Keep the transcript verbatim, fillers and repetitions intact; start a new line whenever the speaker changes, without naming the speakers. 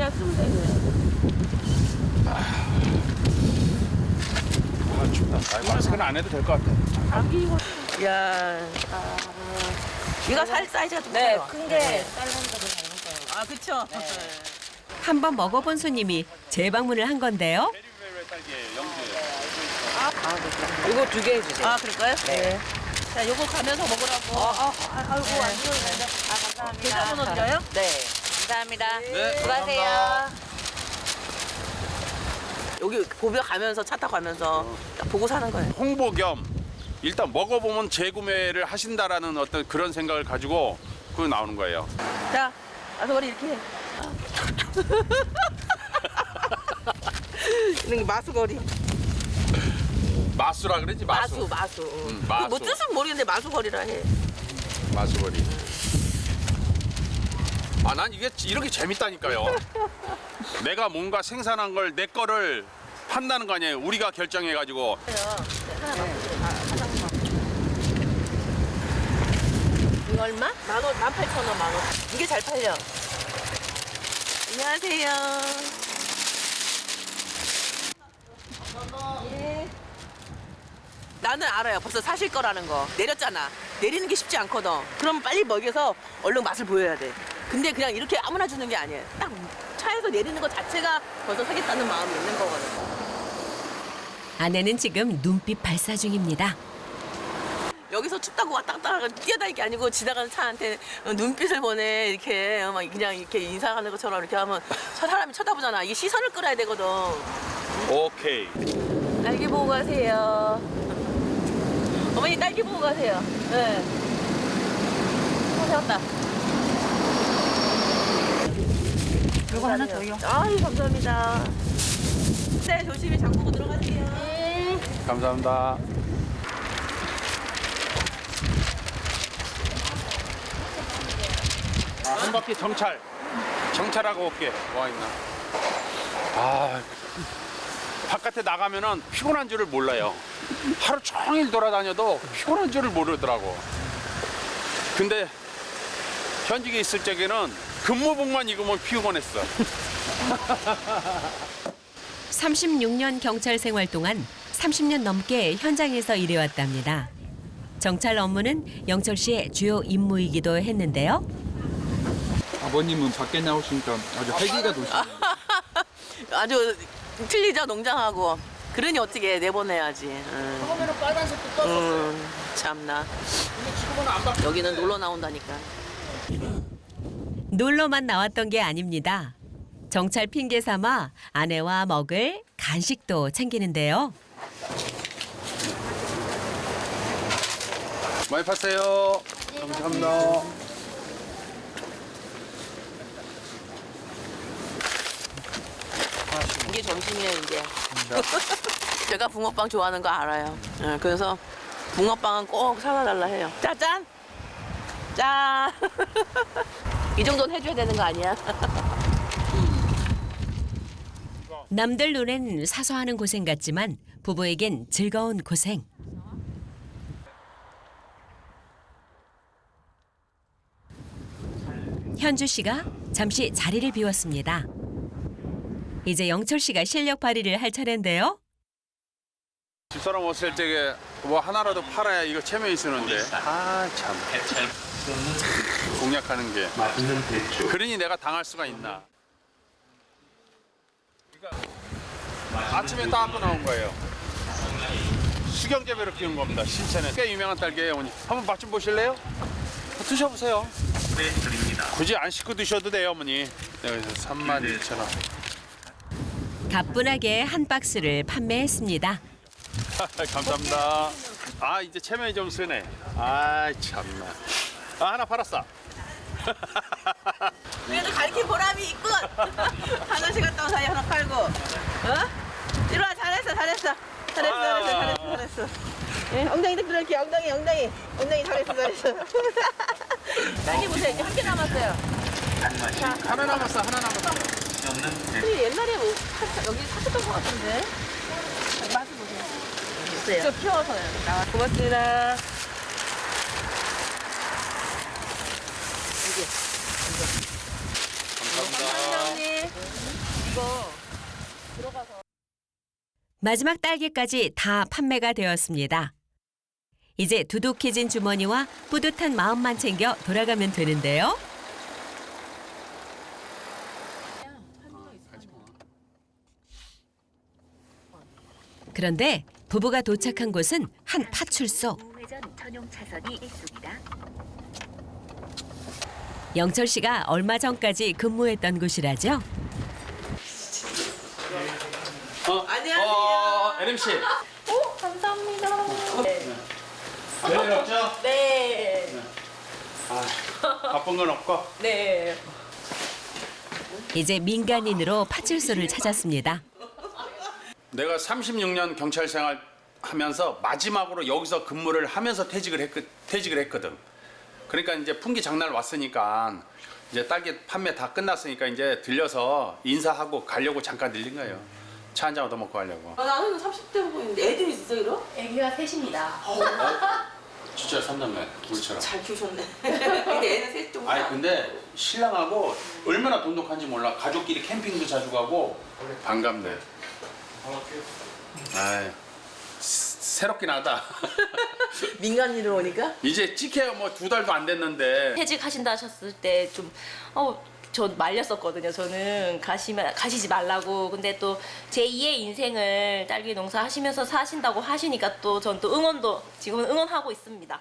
그냥 쓰면 돼. 그냥.
아, 춥다. 아이, 마스크는 안 해도 될 것 같아.
감기 이거.
야, 이거 살 사이즈가 좀
네,
커요.
큰 게 딸랑이가 더 작은 거예요.
아, 그쵸?
한 번 먹어본 손님이 재방문을 한 건데요.
이거 두 개 해주세요.
아, 그럴까요? 네. 자, 요거 가면서 먹으라고.
아, 아, 아이고,
네.
안 좋아요. 아, 감사합니다.
계좌번호 드려요?
네. 감사합니다.
네,
수고하세요.
감사합니다.
여기 보며 가면서 차 타고 가면서 딱 보고 사는 거예요.
홍보 겸 일단 먹어보면 재구매를 하신다라는 어떤 그런 생각을 가지고 그 나오는 거예요.
자, 마수거리 이렇게 해. 이런 게 마수거리.
마수라 그러지
마수,
마수.
마수.
음,
그
마수.
뭐 뜻은 모르겠는데 마수거리라 해.
마수거리. 아, 난 이게 이렇게 재밌다니까요. 내가 뭔가 생산한 걸 내 거를 판다는 거 아니에요. 우리가 결정해가지고.
이거 얼마? 만 원, 만 팔천 원, 만 원. 이게 잘 팔려. 안녕하세요. 예. 나는 알아요. 벌써 사실 거라는 거. 내렸잖아. 내리는 게 쉽지 않거든. 그럼 빨리 먹여서 얼른 맛을 보여야 돼. 근데 그냥 이렇게 아무나 주는 게 아니에요. 딱 차에서 내리는 것 자체가 벌써 사겠다는 마음이 있는 거거든.
아내는 지금 눈빛 발사 중입니다.
여기서 춥다고 왔다 갔다 뛰어다닐 게 아니고 지나가는 차한테 눈빛을 보내 이렇게 막 그냥 이렇게 인사하는 것처럼 이렇게 하면 저 사람이 쳐다보잖아. 이게 시선을 끌어야 되거든.
오케이.
딸기 보고 가세요. 어머니 딸기 보고 가세요. 네. 어, 세웠다.
이거 하나 더요.
아유 감사합니다. 네 조심히 장 보고 들어가세요. 네.
감사합니다. 아, 한 바퀴 정찰. 정찰하고 올게. 와 있나? 아, 바깥에 나가면은 피곤한 줄을 몰라요. 하루 종일 돌아다녀도 피곤한 줄을 모르더라고. 근데 현직에 있을 적에는 근무복만 입으면 피곤했어.
삼십육 년 경찰 생활 동안 삼십 년 넘게 현장에서 일해왔답니다. 정찰 업무는 영철 씨의 주요 임무이기도 했는데요.
아버님은 밖에 나오시니까 아주 활기가 도시네요.
아주 틀리죠 농장하고. 그러니 어떻게 내보내야지. 응.
처음에는 빨간색도 떴었어요.
음, 참나.
근데 지금은 안 바뀌어.
여기는 놀러 나온다니까.
놀러만 나왔던 게 아닙니다. 정찰 핑계 삼아 아내와 먹을 간식도 챙기는데요.
많이 파세요. 감사합니다.
이게 점심이에요 이제. 제가 붕어빵 좋아하는 거 알아요. 예, 그래서 붕어빵은 꼭 사다 달라 해요. 짜잔. 짠. 이 정도는 해줘야 되는 거 아니야?
남들 눈엔 사소하는 고생 같지만 부부에겐 즐거운 고생. 현주 씨가 잠시 자리를 비웠습니다. 이제 영철 씨가 실력 발휘를 할 차례인데요.
집사람 왔을 적에 뭐 하나라도 팔아야 이거 체면이 쓰는데. 아, 참. 공략하는 게. 그러니 내가 당할 수가 있나. 아침에 따갖고 나온 거예요. 수경재배로 키운 겁니다. 신체는 꽤 유명한 딸기예요, 어머니. 한번 맛 좀 보실래요? 드셔보세요. 네, 드립니다. 굳이 안 씻고 드셔도 돼요, 어머니. 여기서 삼만 이천 원.
가뿐하게 한 박스를 판매했습니다.
감사합니다. 아, 이제 체면이 좀 쓰네. 아, 참나. 아, 하나 팔았어.
그래도 가르친 보람이 있군. 하나씩 갔다 온 사이 하나 팔고. 어? 이리 와 잘했어 잘했어. 잘했어 잘했어 잘했어 잘했어. 예, 엉덩이 딱 들어올게 엉덩이 엉덩이 엉덩이 잘했어 잘했어. 딸기 보세요 이제 한 개 남았어요.
하나 남았어, 하나 남았어.
우리 옛날에 뭐 사- 여기 사셨던 것 같은데. 맛을 보세요. 있어요. 저 키워서요. 고맙습니다. 이게.
감사합니다.
감사합니다, 언니.
마지막 딸기까지 다 판매가 되었습니다. 이제 두둑해진 주머니와 뿌듯한 마음만 챙겨 돌아가면 되는데요. 그런데 부부가 도착한 곳은 한 파출소.
우회전 전용 차선이 있습니다.
영철 씨가 얼마 전까지 근무했던 곳이라죠.
어,
안녕하세요.
어, 에림 씨.
오, 감사합니다.
별일 없죠?
네.
아, 바쁜 건 없고.
네.
이제 민간인으로 파출소를 찾았습니다.
내가 삼십육 년 경찰 생활 하면서 마지막으로 여기서 근무를 하면서 퇴직을 했, 퇴직을 했거든. 그러니까 이제 풍기 장날 왔으니까 이제 딸기 판매 다 끝났으니까 이제 들려서 인사하고 가려고 잠깐 들린 거예요. 차 한 잔 얻어 먹고 가려고.
아, 나는 삼십 대 보고 있는데 애들이 있어, 이러?
애기가 셋입니다.
진짜 삼남매 우리처럼.
잘 키우셨네. 근데 애는 셋 좀.
아니 근데 신랑하고 얼마나 돈독한지 몰라. 가족끼리 캠핑도 자주 가고. 반갑네. 아이 새롭긴 하다.
민간인으로 오니까?
이제 찍혀야 뭐 두 달도 안 됐는데.
퇴직하신다 하셨을 때 좀 어, 저 말렸었거든요. 저는 가시면 가시지 말라고. 근데 또 제이의 인생을 딸기 농사 하시면서 사신다고 하시니까 또 전 또 응원도 지금은 응원하고 있습니다.